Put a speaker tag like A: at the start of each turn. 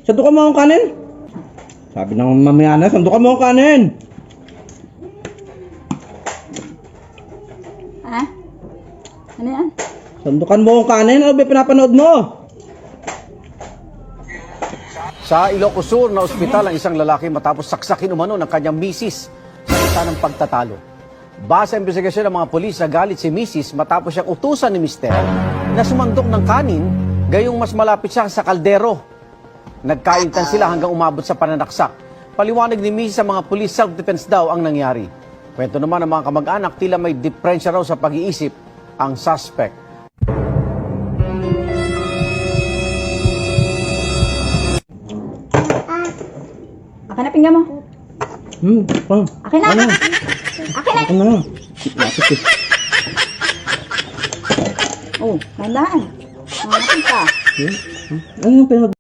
A: Sandukan mo ang kanin. Sabi ng mamaya na, sandukan mo ang kanin.
B: Ha? Ano yan?
A: Sandukan mo ang kanin. Ano ba pinapanood mo?
C: Sa Ilocos Sur na ospital ang isang lalaki matapos saksakin umano ng kanyang misis sa isa ng pagtatalo. Base sa investigasyon ng mga pulis, nagalit si misis matapos siyang utusan ni mister na sumandok ng kanin gayong mas malapit siya sa kaldero. Nagkaintan sila hanggang umabot sa pananaksak. Paliwanag ni misis sa mga pulis, self-defense daw ang nangyari. Kwento naman ng mga kamag-anak, tila may diferensya raw sa pag-iisip ang suspect.
B: Akin na pinggan mo. Akin na!
A: Ano?
B: Akin na!
A: Akin na. Lapit eh.
B: Oh, tandaan. Akin ka.
A: Ano yung pinag...